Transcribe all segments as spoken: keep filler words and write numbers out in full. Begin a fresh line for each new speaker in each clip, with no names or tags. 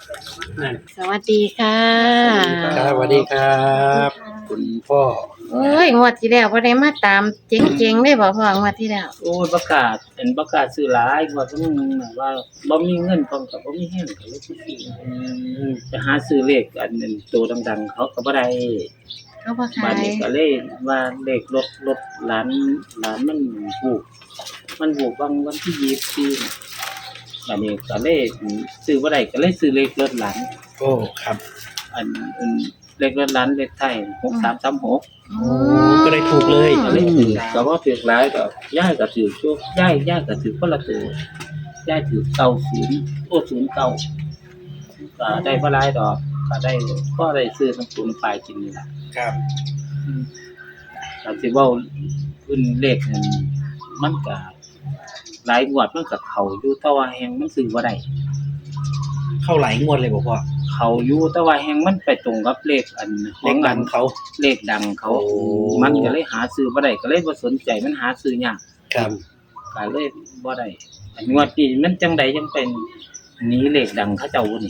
สวัสดีค่ะ
ครับสวัสดีครับคุณพ่อ
โอ้ยงวดที่แล้วบ่ได้มาตามเจ๋งๆเลยบ่พ่องวดที่แล้ว
โอ้ยประกาศเห็นประกาศซื้อหลายว่าต้องแบบว่าบ่มีเงินพร้อมกับบ่มีแรงก็เลยสิซื้อจะหาซื้อเลขอันนั้นตัวดังๆเขาก็บ่ได้
เขาบ่ขา
บัด
ย
นี้ก็เลยว่าเลขรถรถหลานหลานมันถูกมันถูกบางวันที่ยี่สิบสี่น่ะบัดนี้ก็เลยซื้อบ่ได้ก็เลยซื้อเลขรถหลาน
โอ้ครับ
อันอันเลขรถหลานเลขไทยหกสามสามหก
โอ้ก็ได้ถูกเลย
ก็เลยถือก็บ่ถือหลายดอกย้ายก็ถือชั่วย้ายย้ายก็ถือคนละตัวย้ายถือเก้าสิบโอ้ศูนย์เก้าก็ได้บ่หลายดอกก็ได้ก็ได้ซื้อน้ำปูนปลายกินนี่ล่ะ
ครับ
อืมก็สิเว้าขึ้นเลขนั่นมันก็หลายงวดมันก็เข้าอยู่แต่ว่าแฮงมันซื้อบ่ได้
เข้าหลายงวดเลยบอกว่า
เข้าอยู่แต่ว่าแฮงมันไปตรงกับเลขอันข
เล
อง
ข
อั
ดั
น
งเขา
เลขดังเขา
โอ้
มันก็เลยหาซื้อบ่ได้ก็เลยบ่สนใจมันหาซื้อยาก
ครับ
ก็เลยบ่ได้อันงวดนี้มันจังใดจังเป็นหนีเลขดังเขาเจ้านี่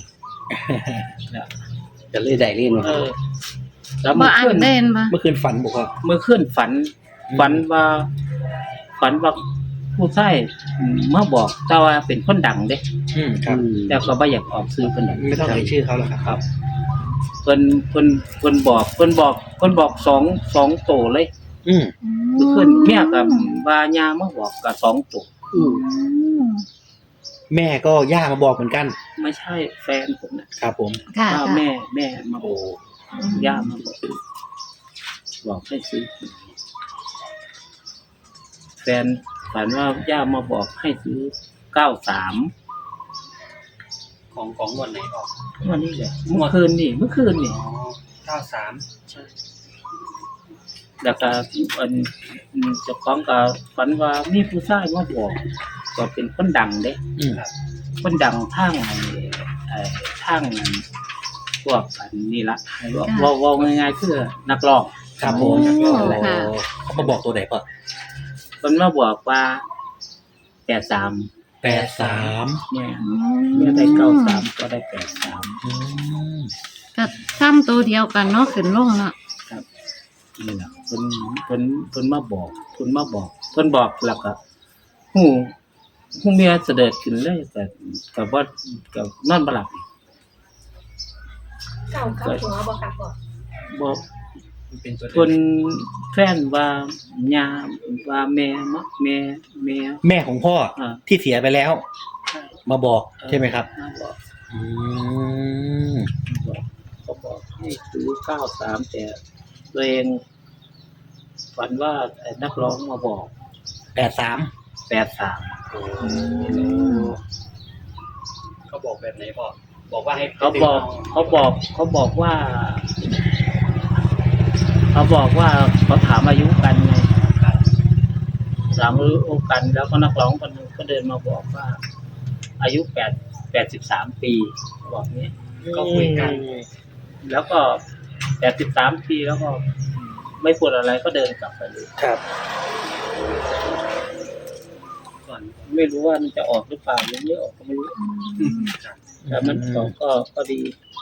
จะเลยได้เล่น
เออแล้ว
บ่
เมื่อ
อัน
คืน
เด่นบ่
เมื่อคืนฝันบอกว่า
เมื่อคืนฝัน
อืม
ฝันว่า ฝันว่าผู้ชายมาบอกแต่ว่าเป็นคนดังเด้
อืมครับ
แล้วก็บ่อยากออกซื้อเพิ่นดอก
ไม่ต้องเอ่ยชื่อเขาหรอกครับ
ครับเพิ่นเพิ่นเพิ่นบอกเพิ่นบอกเพิ่นบอกสอง สองโตเลย
อืม
เมื่อคืนเมียก็ว่าย่ามาบอกก็สองโต
อืมแม่ก็ย่ามาบอกเหมือนกัน
ไม่ใช่แฟนผมน่ะ
ครับผม
ค่ะ
ว่า
ค่ะ
แม่แม่มาบ
โอ้
อกย่ามาบอกบอกให้ซื้อแฟนฝันว่าย่ามาบอกให้ซื้อเก้าสาม
ของของวันไหนออก
วันนี้แหละเมื่อคืนนี่เมื่อคืนนี่
เก้าสาม
ใช่แล้วก็อันเจ้าของก็ฝันว่ามีผู้ชายมาบอกก็เป็นคนดังเด้
อืม
คนดังทางไอ้ไอ้ทางพวกอันนี้ละเว่าเว่าง่ายๆคือนักร้อง
ครับผม
โอ้
โอ้
ค่ะ
เขามาบอกตัวไหนป่ะ
เพิ่นมาบอกว่าแปดสาม
แปดสาม
เนี่ยเนี่ยได้เก้าสามก็ได้แปดสาม
อืม
ก็ซ้ำตัวเดียวกันเนาะขึ้นลงเนาะ
ครับนี่แหละเพิ่นเพิ่นเพิ่นมาบอกเพิ่นมาบอกเพิ่นบอกแล้วก็ฮู้ฮู้เมียเสด็จขึ้นเลยแต่ก็บ่ก็นอนบ่หลับ
เก่ากับหัวบ่ค่ะพ่อ
บ่
มันเป็นตัว
เพิ่นแฟนว่าย่าว่าแม่มะแม่แม่
แม่ของพ่อ
อ่า
ที่เสียไปแล้ว
ใช่
มาบอกใช่ไหมครับ
มาบอก
อืม
บอกเขาบอกให้ซื้อเก้าสามแต่ตัวเองฝันว่าไอ้นักร้องมาบอก
แปดสาม
แปดสาม
เขาบอกแบบไหนบอกบอกว่าให้
เขาบอกเขาบอกเขาบอกว่า เขาบอกว่าเขาถามอายุกันไงถามอายุกันแล้วก็นักร้องคนนึงก็เดินมาบอกว่า อายุแปดแปดสิบสามปีบอกเนี้ยก็คุยกัน แล้วก็แปดสิบสามปีแล้วก็ไม่พูดอะไรก็เดินกลับไปเลย
ครับ
ก่อนไม่รู้ว่ามันจะออกหรือเปล่าหรือไม่ออกก็ไม่รู้แต่มันออกก็ก็ดี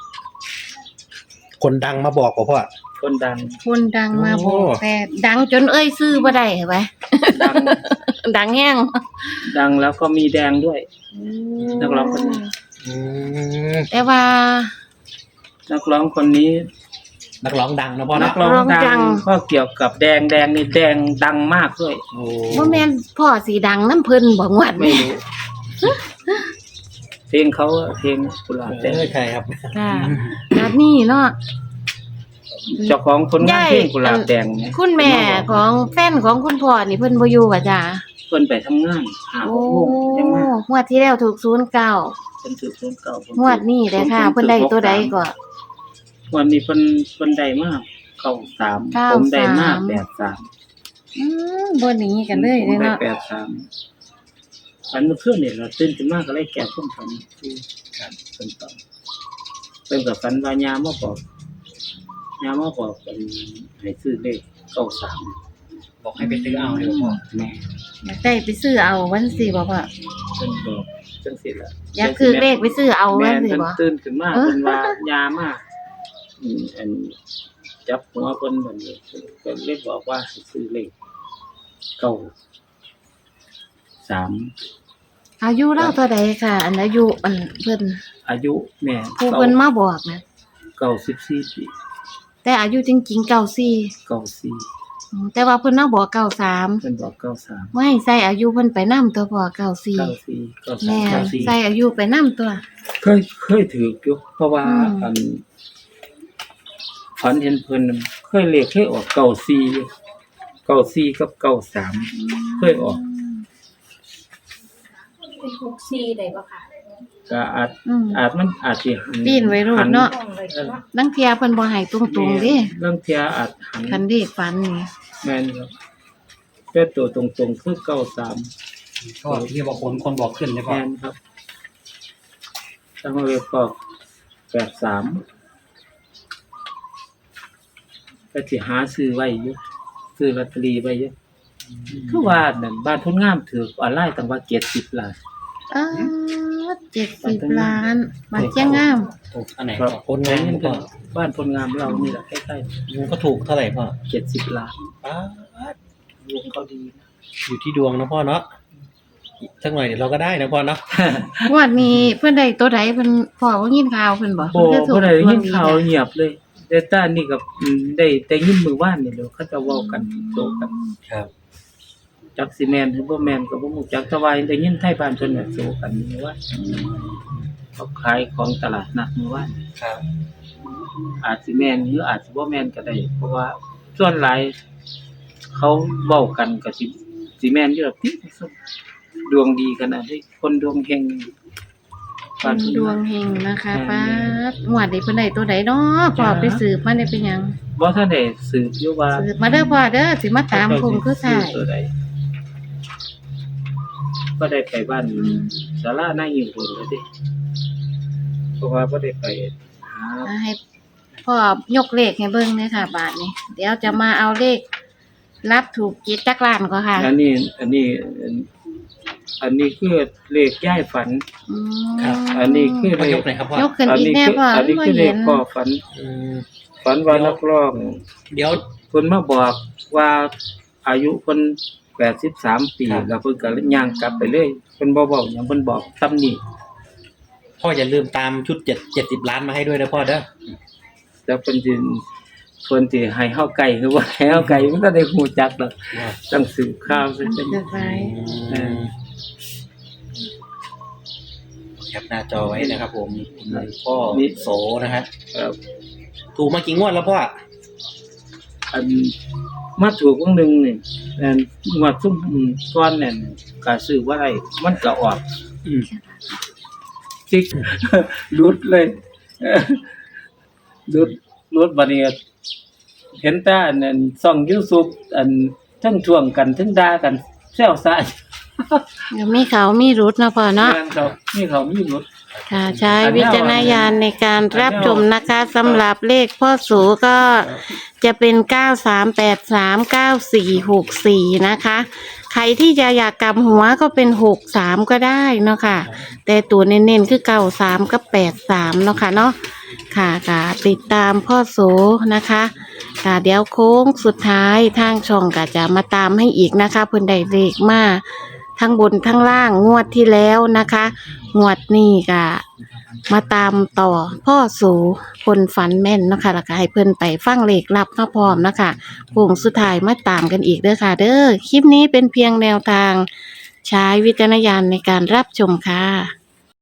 คนดังมาบอกพ่อ
คนดัง
คนดังมาบอก
โอ้
แต่ดังจนเอ้ยซื้อบ่ได้เหรอวะ
ดัง
ดังแห้ง
ดังแล้วก็มีแดงด้วย นักร้องคนนี้
อืม
แต่ว่า
นักร้องคนนี้
นักร้องดังนะพ่อ
นั
นะ
กร้อง
นักร้องดั
ดัง
ง
ก็เกี่ยวกับแดงแดงนี่แดงดังมากด้วย
โอ้
บ่แม่นพ่อสีดังน้ำเพิ่นบ่งวด
ไม่
นี่
รู้เพลงเขาอะเพลงกุหลาบแดง
เออใช่ครับ
ค่ะแบบนี้เนาะ
เจ้าของคนงานเพลงกุหลาบแดงเนี่ย
คุณแม่ของแฟนของคุณพ่อนี่เพิ่นบ่อยู่อ่ะจ้ะ
เพิ่นไปทำงานหาห
โอ้
กโมงยังมาง
วดที่แล้วถูกศูนย์เก้า
เพิ่นถือศูนย์เก้าง
วดนี้เด้อค่ะ เพิ่นได้ตัวใดก็
วันนี้เพิ่นเพิ่นได้มากเก้าสาม
เก้า
ผมได้มาก
สาม
แปดสาม
อืมบ่หนีกันเลย
ผม
เด้อ
ได้
เนาะ
แปดสามฝันเมื่อคืนเนี่ยเราตื่นขึ้นมาก็เลยแก่ต้มฝันที่ครับเป็นต่อเป็นกับฝันว่ายามาบอกยามาบอกเป็นให้ซื้อเลขเก้าสาม
บอกให้ไปซื้อเอาเลยพ่อ
แม่
อยากได้ไปซื้อเอาวันสิบ่พ่อ
เพิ่นบอกจังซี่ล่ะ
อยากคือเลขไปซื้อเอา
แม่
ว่าน สิ
เพิ่น
บ่
ตื่นขึ้นมา
เออ
เพิ่นว่ายามาอืมอันจับหัวเพิ่นบัดนี้เพิ่นเลยบอกว่าให้ซื้อเลขเก้าสาม
อายุเล่าเท่าใดค่ะ อันอายุอันเพิ่น
อายุแม่
ผู้เพิ่นมาบอกนะ
เก้าสิบสี่ปี
แต่อายุจริงๆเก้าสี่
เก้าสี่
อืมแต่ว่าเพิ่นมาบอกเก้าสาม
เพิ่นบอกเก้าสาม
ไม่ใส่อายุเพิ่นไปนำตัวพ่อเก้าสี่
เก้าสี่เก้าสาม
แม่
เก้าสี่
ใส่อายุไปนำตัว
เคยเคยถืออยู่เพราะว่า
อืม
อันฝันเห็นเพิ่นน่ะเคยเลขเคยออกเก้าสี่เก้าสี่กับเก้าสาม เคยออก
เป็นหกซีได้บ่ค่ะ
ก็อาจ
อืม
อาจมันอาจสิหัน
ปีนไว้โลดเนาะ
ต้องเลยเนาะ
ลังเที่ยเพิ่นบ่ให้ตรงๆเด้
เรื่องเที่ยอาจหัน
คันเลขฝันนี่
แม่นครับแต่ตัวตรงๆคือเก้าสาม
ก็ที่บอกคนคนบอกขึ้นใช่ป่ะ
แม่นครับตั้งไว้ก็แปดสามก็สิหาซื้อไว้อยู่ซื้อลอตเตอรี่ไว้อยู่คือว่านั่นบ้านพ้นงามถือออนไลน์ตั้งว่าเจ็ดสิบล้าน
อ้าเจ็ดสิบล้านบาทเจ้างาม
ถูกอันไหน
ครับ
พ่อคนงาน
เงิน
พ่อ
บ้านพ้นงามเรานี่แหละใกล้
มันก็ถูกเท่าไหร่พ่อ
ๆเจ็ดสิบล้าน
ป๊าด
ดวงเขาดีนะ
อยู่ที่ดวงนะพ่อเนาะสักหน่อยเดี๋ยวเราก็ได้นะพ่อเนาะ
งวดนี้เพิ่นได้ตัวใดเพิ่นพ่อว่ายินข่าวเพิ่นบ่
โอ้
เพิ่นคือถูก
บ่ได้ยินข่าว
ดวงดี
เงียบเลยแต่ตานี่กับอืมได้แต่ยินมือว่านนี่แหล้วเขาจะเว้ากันโตกัน
ครับ
จักสิแม่นหรือบ่แม่นก็บ่ฮู้จักแต่ว่าได้ยินไทยบ้านเพิ่นน่ะโตกันมื้อวานเขาขายของตลาดนัดมื้อวาน
ครับ
อาจสิแม่นหรืออาจสิบ่แม่นก็ได้ เพราะว่าส่วนหลายเขาเว้ากันก็สิสิแม่นอยู่ดอกติดวงดีขนาดนี้คนดวงเฮง
เพิ่นดวงเฮงนะคะป๊าดงวดนี้เพิ่นได้ตัวใดเนาะพ่อไปสืบมาได้เป็นหยัง
บ่ทันได้สืบอยู่ว่า
สืบมาเด้อพ่อเด้อสิมาตามคงคือสาย
ตัวใดก็ได้ไปบ้าน
อืม
ศาลาหน้าอยู่พุ่นแล้วดิเพราะว่าบ่ได้ไปหา
อ่าให้พ่อยกเลขให้เบิ่งเลยค่ะ บาทนี้ เดี๋ยวจะมาเอาเลขรับถูกจิตจักล้านก็ค่ะ
อันนี้ อันนี้ อันนี้คือเลขย้ายฝัน
อืม
อันนี้คือ
พ่อยกหน่อยครับพ่อย
กขึ้น
อัน
อีก
นี้
แน่
คือ
พ่อ
อันนี้
บ่
คือเล
เห็
ข
น
พ่อฝัน
อืม
ฝันว่านักร้อง
เดี๋ยว
เพิ่นมาบอกว่าอายุเพิ่นแปดสิบสามปี
ครับ
แล้วเพิ่นก็ย่างกลับไปเลยเพิ่นบ่เว้าหยังเพิ่นบอกตำหนิ
พ่ออย่าลืมตามชุดเจ็ดเจ็ดสิบล้านมาให้ด้วยนะพ่อเด้อ
แล้วเพิ่นสิเพิ่นสิให้เฮาไก่คือว่าให้เฮาไก่มันก็ได้ฮู้จักดอกต้องสืบข่าวซะเป็น
จะไป
อืมแคปหน้าจอไว้นะครับผมพ่อโสนะฮะ
เอ่อ
ถูกมากี่งวดแล้วพ่อ
อันมาถูกวงหนึงนี่อันงวดซุ่มก่อนนั่นก็ซื้อบ่ได้มันก็ออก
อืม
จิก หลุดเลยหลุดหลุดบัดนี้เห็นแต่อันนั้นช่อง YouTube อันทั้งท่วงกันทั้งด่ากันแซวซ่า
เดี๋ยวมีเขามีรุดเนาะพ่อเนาะ
งานเขานี่เขามีรถ
ค่ะใช้วิจารณญาณในการรับชมนะคะสำหรับเลขพ่อสูก็จะเป็นเก้าสามแปดสามเก้าสี่หกสี่นะคะ ใครที่จะอยากกลับหัวก็เป็นหกสามก็ได้เนาะค่ะ แต่ตัวเน้นๆคือเก้าสามกับแปดสามเนาะค่ะเนาะค่ะค่ะติดตามพ่อโสนะคะค่ะเดี๋ยวโค้งสุดท้ายทางช่องก็จะมาตามให้อีกนะคะเพิ่นได้เลขมาทั้งบนทั้งล่างงวดที่แล้วนะคะ งวดนี้ก็มาตามต่อพ่อสูคนฝันแม่นเนาะค่ะแล้วก็ให้เพิ่นไปฟังเลขลับมาพร้อมเนาะคะโค้งสุดท้ายมาตามกันอีกเด้อค่ะ เด้อคลิปนี้เป็นเพียงแนวทางใช้วิจารณญาณในการรับชมค่ะ